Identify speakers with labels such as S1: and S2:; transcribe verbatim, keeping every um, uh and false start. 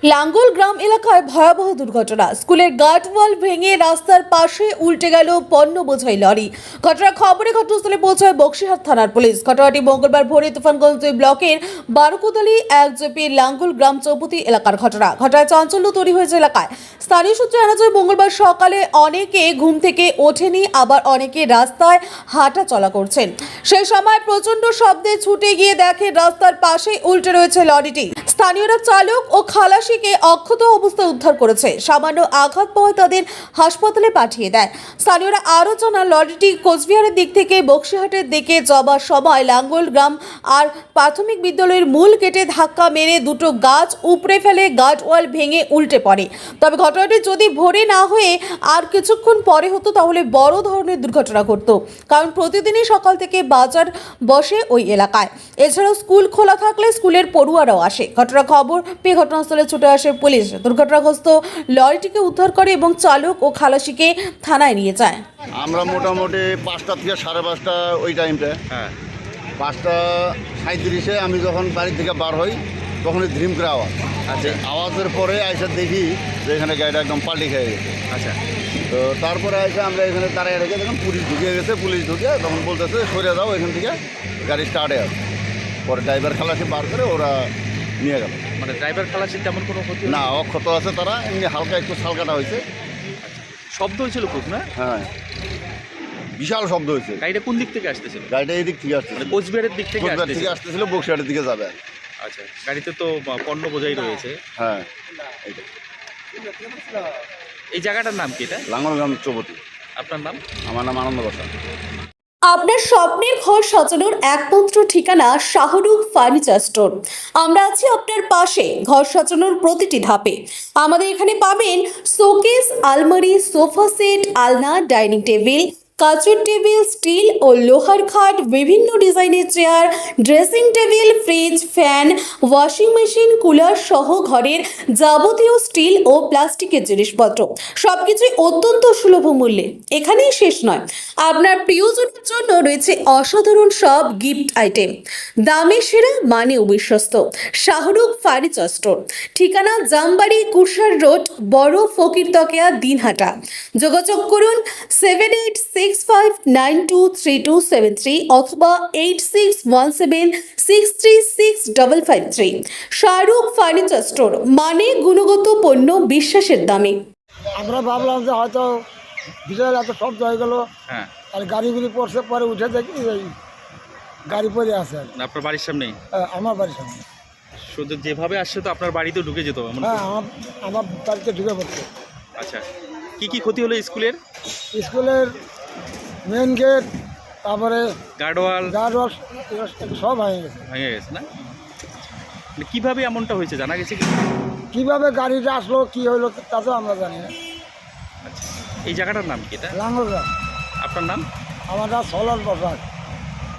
S1: লাঙ্গল গ্রাম এলাকায় ভয়াবহ দুর্ঘটনা। স্কুলের গার্ডওয়াল ভেঙে রাস্তার পাশে উল্টে গেল পণ্য বোঝাই লরি। ঘটনার খবরে ঘটনাস্থলে পৌঁছায় বক্সিহাট থানার পুলিশ। ঘটনাটি মঙ্গলবার ভোরে তুফানগঞ্জ দুই ব্লকের বারোকুদালি এক জেপির লাঙ্গল গ্রাম চৌপতি এলাকার ঘটনা। ঘটনায় চাঞ্চল্য তৈরি হয়েছে এলাকায়। স্থানীয় সূত্রে জানা যায়, মঙ্গলবার সকালে অনেকে ঘুম থেকে ওঠেনি, আবার অনেকে রাস্তায় হাঁটা চলা করছেন। সেই সময় প্রচন্ড শব্দে ছুটে গিয়ে দেখে রাস্তার পাশে উল্টে রয়েছে লরিটি। স্থানীয়রা চালক ও খালাসিকে অক্ষত অবস্থায় উদ্ধার করেছে। সামান্য আঘাত পাওয়ায় তাদের হাসপাতালে পাঠিয়ে দেয়। স্থানীয়রা আরও জানান, লরিটি কোচবিহারের দিক থেকে বক্সিহাটের দিকে যাবার সময় লাঙ্গল গ্রাম আর প্রাথমিক বিদ্যালয়ের মূল গেটে ধাক্কা মেরে দুটো গাছ উপড়ে ফেলে গার্ডওয়াল ভেঙে উল্টে পড়ে। তবে ঘটনাটি যদি ভোরে না হয়ে আর কিছুক্ষণ পরে হতো তাহলে বড় ধরনের দুর্ঘটনা ঘটত, কারণ প্রতিদিনই সকাল থেকে বাজার বসে ওই এলাকায়। এছাড়াও স্কুল খোলা থাকলে স্কুলের পড়ুয়ারাও আসে। ঘটনা খবর পেয়ে ঘটনাস্থলে ছুটে আসে পুলিশ। দুর্ঘটনাগ্রস্ত লরিটিকে উদ্ধার করে এবং চালক ও খালাসিকে থানায় নিয়ে যায়।
S2: আমরা মোটামুটি পাঁচটা থেকে সাড়ে পাঁচটা ওই টাইমটা,
S3: হ্যাঁ
S2: পাঁচটা সাঁত্রিশে আমি যখন বাড়ি থেকে বার হই তখনই ধ্রিম করে আওয়াজ।
S3: আচ্ছা
S2: আওয়াজের পরে আইসা দেখি যে এখানে গাড়িটা একদম পাল্টি খেয়ে গেছে।
S3: আচ্ছা
S2: তো তারপরে এসে আমরা এখানে দাঁড়িয়ে রেখে যখন পুলিশ ঢুকে গেছে, পুলিশ ঢুকে তখন বলতেছে সরে যাও এখান থেকে, গাড়ি স্টার্টে আছে। পরে ড্রাইভার খালাসি বার করে ওরা নিয়ে গেল।
S3: মানে ড্রাইভার খালাসির তেমন কোনো ক্ষতি
S2: না, অক্ষত আছে তারা, এমনি হালকা একটু সালকাটা হয়েছে।
S3: শব্দ হয়েছিল খুব না?
S2: হ্যাঁ, বিশাল শব্দ হয়েছে।
S3: গাড়িটা কোন দিক থেকে আসতেছিল?
S2: গাড়িটা এই দিক থেকে আসছে,
S3: মানে কোচবিহারের দিক থেকে
S2: কোচবিহার থেকে
S3: আসতেছিল।
S2: আসতেছিল, বক্সিহাটের দিকে যাবে।
S3: আচ্ছা, গাড়িতে তো পণ্য বোঝাই রয়েছে।
S2: হ্যাঁ,
S3: এই জায়গাটার নাম কি এটা?
S2: লাঙ্গলগ্রাম চৌপতি।
S3: আপনার নাম?
S2: আমার নাম আনন্দ বসা।
S1: আপনার স্বপ্নের ঘর সাজানোর একমাত্র ঠিকানা শাহরুখ ফার্নিচার স্টোর। আমরা আছি আপনার পাশে ঘর সাজানোর প্রতিটি ধাপে। আমাদের এখানে পাবেন শোকেস, আলমারি, সোফা সেট, আলনা, ডাইনিং টেবিল, কাচের টেবিল, স্টিল ও লোহার খাট, বিভিন্ন ডিজাইনের chair, dressing table, fridge, fan, washing machine, cooler সহ ঘরের যাবতীয় স্টিল ও প্লাস্টিকের জিনিসপত্র সবকিছুই অত্যন্ত সুলভ মূল্যে। এখানেই শেষ নয়, আপনার প্রিয়জনের জন্য রয়েছে অসাধারণ সব গিফট আইটেম। দামে সেরা, মানে বিশ্বস্ত। শাহরুখ ফার্নিচার স্টোর, ঠিকানা জামবাড়ি, কুরসার রোড, বড় ফকিরতকিয়া, দিনহাটা। যোগাযোগ করুন seven eight six five nine two three two seven three অথবা eight six one seven six three six double five three. Shahrukh furniture store, মানে গুণগত পণ্য বিশ্বাসের দামে।
S4: আমরা ভাবলাম যে হয়তো বিশাল এত শব্দ হয়ে গেল,
S3: হ্যাঁ,
S4: আর গাড়িগুলি পড়ছে, পরে উঠে দেখি এই গাড়ি পরে আছে।
S3: আপনার বাড়ির সামনেই?
S4: হ্যাঁ, আমার বাড়ির সামনে।
S3: শুধু যেভাবে আসছে তো আপনার বাড়িতে ঢুকে যেত এমন?
S4: হ্যাঁ, আমার আমার বাড়িতে ঢুকে পড়ছে।
S3: আচ্ছা, কি কি ক্ষতি হলো স্কুলের?
S4: স্কুলের মেন গেট, তারপরে
S3: গার্ডওয়াল
S4: গার্ডওয়াল সব ভেঙে গেছে।
S3: ভেঙে গেছে না? মানে কিভাবে এমনটা হয়েছে জানা গেছে কি?
S4: কীভাবে গাড়িটা আসলো, কী হইলো তা তো আমরা জানি না।
S3: আচ্ছা, এই জায়গাটার নাম কি এটা?
S4: লাঙ্গলগ্রাম।
S3: আপনার নাম?
S4: আমার নাম সলাল প্রসাদ।